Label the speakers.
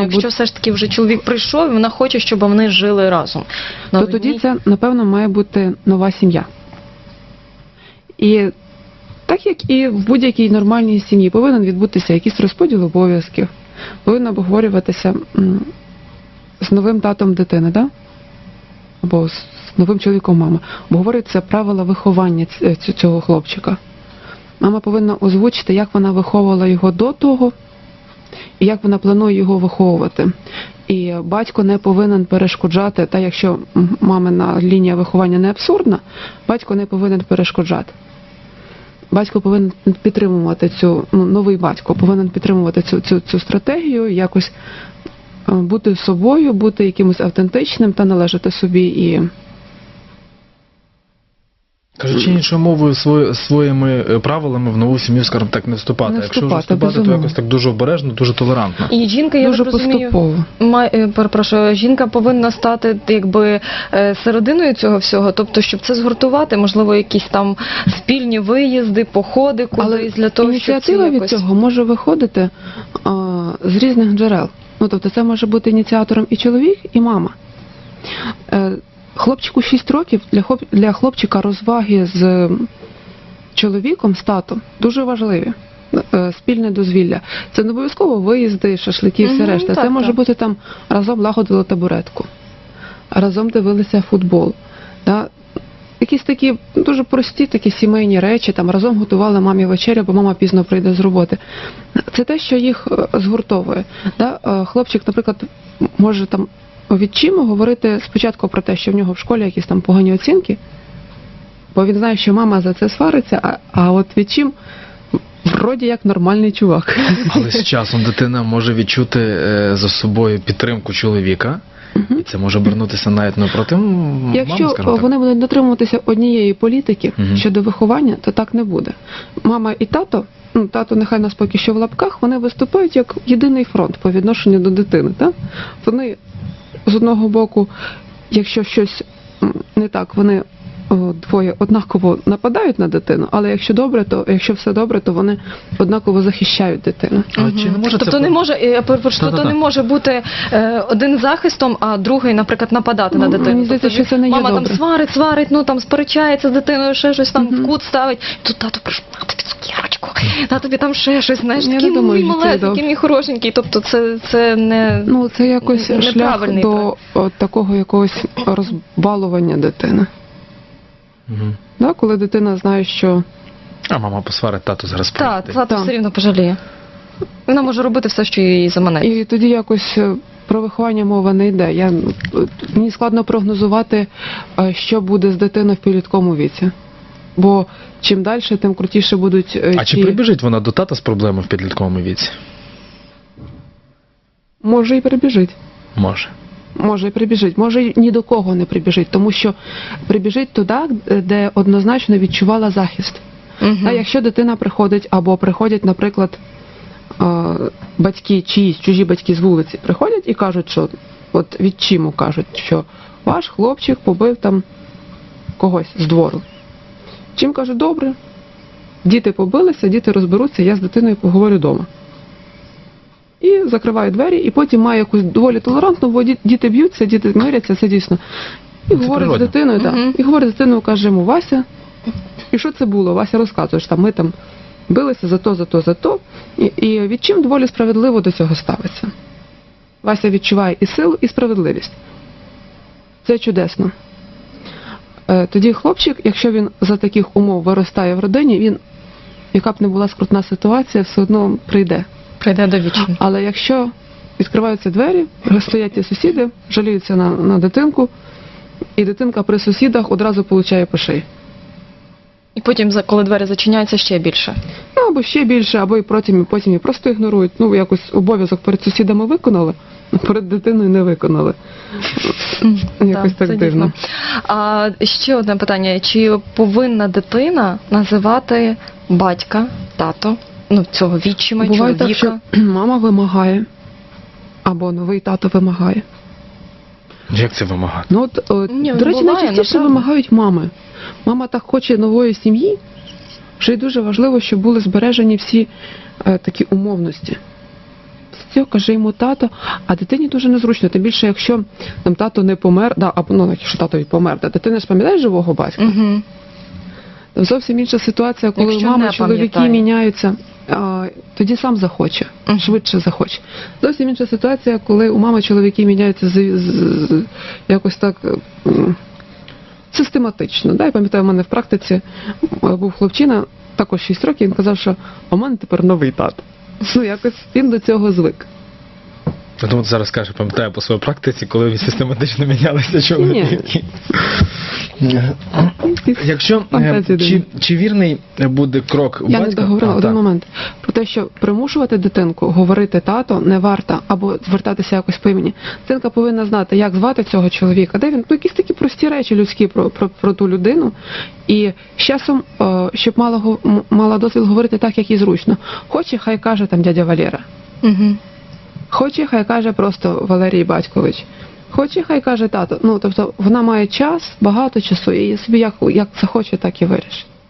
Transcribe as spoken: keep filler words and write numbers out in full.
Speaker 1: має
Speaker 2: якщо
Speaker 1: бути...
Speaker 2: все ж таки вже чоловік прийшов, і вона хоче, щоб вони жили разом.
Speaker 1: То
Speaker 2: На
Speaker 1: тоді
Speaker 2: одній-
Speaker 1: це, напевно, має бути нова сім'я. І так як і в будь-якій нормальній сім'ї повинен відбутися якийсь розподіл обов'язків, повинно обговорюватися м, з новим татом дитини, да? Або з новим чоловіком мами. Обговорюються правила виховання ць- ць- цього хлопчика. Мама повинна озвучити, як вона виховувала його до того, і як вона планує його виховувати. І батько не повинен перешкоджати, та якщо м, мамина лінія виховання не абсурдна, батько не повинен перешкоджати. Батько повинен підтримувати цю, ну, новий батько повинен підтримувати цю, цю, цю стратегію, якось е, бути собою, бути якимось автентичним та належати собі. І
Speaker 3: Кажучи іншою мовою, свої, своїми е, правилами в нову сім'ю, скажімо так, не вступати.
Speaker 1: Не
Speaker 3: А якщо вже
Speaker 1: вступати,
Speaker 3: вступати, то
Speaker 1: безумовно.
Speaker 3: якось так дуже обережно, дуже толерантно.
Speaker 2: І жінка, я
Speaker 1: дуже
Speaker 2: так розумію,
Speaker 1: поступово.
Speaker 2: має, е, перепрошую, жінка повинна стати якби е, серединою цього всього, тобто, щоб це згуртувати, можливо, якісь там спільні виїзди, походи кудись для того, щоб це
Speaker 1: ініціатива від
Speaker 2: якось...
Speaker 1: цього може виходити а, з різних джерел. Ну, тобто це може бути ініціатором і чоловік, і мама. Е, хлопчику шість років, для, хлоп, для хлопчика розваги з чоловіком, з татом, дуже важливі. Е, спільне дозвілля. Це не обов'язково виїзди, шашлики і все
Speaker 2: Мгм,
Speaker 1: решта.
Speaker 2: так,
Speaker 1: Це може
Speaker 2: так.
Speaker 1: бути там разом лагодили табуретку, разом дивилися футбол. Да? Якісь такі дуже прості такі сімейні речі, там разом готували мамі вечерю, бо мама пізно прийде з роботи. Це те, що їх е, згуртовує. Да? Е, Хлопчик, наприклад, може там відчимо говорити спочатку про те, що в нього в школі якісь там погані оцінки, бо він знає, що мама за це свариться, а, а от відчим вроді як нормальний чувак.
Speaker 3: Але з часом дитина може відчути е, за собою підтримку чоловіка, і це може обернутися навіть не проти м- мами,
Speaker 1: Якщо
Speaker 3: скажімо так.
Speaker 1: вони будуть дотримуватися однієї політики
Speaker 3: Мгм.
Speaker 1: щодо виховання, то так не буде. Мама і тато, ну тато нехай нас поки що в лапках, вони виступають як єдиний фронт по відношенню до дитини. Так? Вони з одного боку, якщо щось м, не так, вони о, двоє однаково нападають на дитину, але якщо добре, то якщо все добре, то вони однаково захищають дитину.
Speaker 3: Але чи не може
Speaker 2: тобто
Speaker 3: це
Speaker 2: не
Speaker 3: бу-
Speaker 2: може, я перепрошую, тобто
Speaker 3: Та-та-та.
Speaker 2: не може бути е, один захистом, а другий, наприклад, нападати
Speaker 1: Ну,
Speaker 2: на дитину.
Speaker 1: мені здається,
Speaker 2: Тобто
Speaker 1: що це не є
Speaker 2: мама
Speaker 1: добре.
Speaker 2: там сварить, сварить, ну там сперечається з дитиною, ще щось там
Speaker 1: Мгм.
Speaker 2: в кут ставить. Тут тато прийшов, на тобі цукерочку, на тобі там ще щось, знаєш,
Speaker 1: Я не
Speaker 2: такий
Speaker 1: думаю,
Speaker 2: мій
Speaker 1: що це
Speaker 2: малесенький,
Speaker 1: добре.
Speaker 2: мій хорошенький. Тобто це, це не...
Speaker 1: Ну, це якось шлях
Speaker 2: Неправильний
Speaker 1: до о, такого якогось розбалування дитини.
Speaker 3: Мгм.
Speaker 1: Да, коли дитина знає, що
Speaker 3: А мама посварить, тато зараз
Speaker 2: Так,
Speaker 3: прийде.
Speaker 2: тато
Speaker 1: Так.
Speaker 2: все рівно пожаліє. Вона може робити все, що їй заманеться.
Speaker 1: і тоді якось е, про виховання мова не йде. Я, е, мені складно прогнозувати, е, що буде з дитиною в підлітковому віці. Бо чим далі, тим крутіше будуть е,
Speaker 3: А чи
Speaker 1: ті...
Speaker 3: прибіжить вона до тата з проблемою в підлітковому віці?
Speaker 1: Може і прибіжить.
Speaker 3: Може.
Speaker 1: Може і прибіжить. Може і ні до кого не прибіжить, тому що прибіжить туди, де однозначно відчувала захист.
Speaker 2: Мгм.
Speaker 1: А якщо дитина приходить, або приходять, наприклад, е, батьки, чиїсь чужі батьки з вулиці приходять і кажуть, що от відчиму кажуть, що ваш хлопчик побив там когось з двору. Чим кажуть, добре, діти побилися, діти розберуться, я з дитиною поговорю вдома. І закриваю двері, і потім має якусь доволі толерантну, бо ді- діти б'ються, діти миряться, це дійсно. І
Speaker 3: Це
Speaker 1: говорить з
Speaker 3: природно.
Speaker 1: дитиною, так.
Speaker 2: Мгм.
Speaker 1: І говорить з дитиною, каже йому, Вася, і що це було? Вася розказує, що там ми там билися за то, за то, за то. І, і відчим доволі справедливо до цього ставиться. Вася відчуває і силу, і справедливість. Це чудесно. Е, Тоді хлопчик, якщо він за таких умов виростає в родині, він, яка б не була скрутна ситуація, все одно прийде.
Speaker 2: Прийде до вічі.
Speaker 1: Але якщо відкриваються двері, стоять ті сусіди, жаліються на, на дитинку, і дитинка при сусідах одразу получає по шиї.
Speaker 2: І потім, за- коли двері зачиняються, ще більше.
Speaker 1: Ну, або ще більше, або і потім, і потім і просто ігнорують. Ну, якось обов'язок перед сусідами виконали, а перед дитиною не виконали. Якось так
Speaker 2: це
Speaker 1: дивно.
Speaker 2: дійсно. А ще одне питання. Чи повинна дитина називати батька, тато, ну, цього відчима,
Speaker 1: Буває так,
Speaker 2: чоловіка?
Speaker 1: що мама вимагає, або новий тато вимагає.
Speaker 3: Як це вимагати?
Speaker 1: Ну, от, от,
Speaker 2: Ні,
Speaker 1: до речі,
Speaker 2: буває,
Speaker 1: найчастіше
Speaker 2: направду.
Speaker 1: вимагають мами. Мама так хоче нової сім'ї, що й дуже важливо, щоб були збережені всі е, такі умовності. цього каже йому тато, а дитині дуже незручно, тим більше, якщо там тато не помер, да, або ну, якщо тато і помер, да, дитина ж пам'ятає живого батька?
Speaker 2: Угу.
Speaker 1: Там зовсім інша ситуація, коли
Speaker 2: Якщо
Speaker 1: мами,
Speaker 2: не
Speaker 1: чоловіки
Speaker 2: пам'ятає.
Speaker 1: міняються, а, тоді сам захоче,
Speaker 2: Мгм.
Speaker 1: швидше захоче. Зовсім інша ситуація, коли у мами чоловіки міняються з, з, з- якось так м, систематично. Да? Я пам'ятаю, у мене в практиці м, був хлопчина, також шість років, він казав, що у мене тепер новий тато. Ну, якось він до цього звик.
Speaker 3: Я думаю, ти зараз скажеш, пам'ятаю по своїй практиці, коли ви систематично мінялися чоловіки. Якщо е,
Speaker 1: Фантазії
Speaker 3: чи,
Speaker 1: дивні.
Speaker 3: чи вірний буде крок
Speaker 1: Я не
Speaker 3: батька?
Speaker 1: договорила
Speaker 3: А,
Speaker 1: один
Speaker 3: так.
Speaker 1: момент про те, що примушувати дитинку говорити тато не варто або звертатися якось по імені. Дитинка повинна знати, як звати цього чоловіка, де він, ну якісь такі прості речі людські про, про, про ту людину. І з часом, е, щоб мала, го- м- мала дозвіл говорити так, як їй зручно. Хоче, хай каже там дядя Валера.
Speaker 2: Угу.
Speaker 1: Хоче, хай каже просто Валерій Батькович. Хоче, хай каже тато. Ну, тобто вона має час, багато часу, і собі як, як захоче, так і вирішить.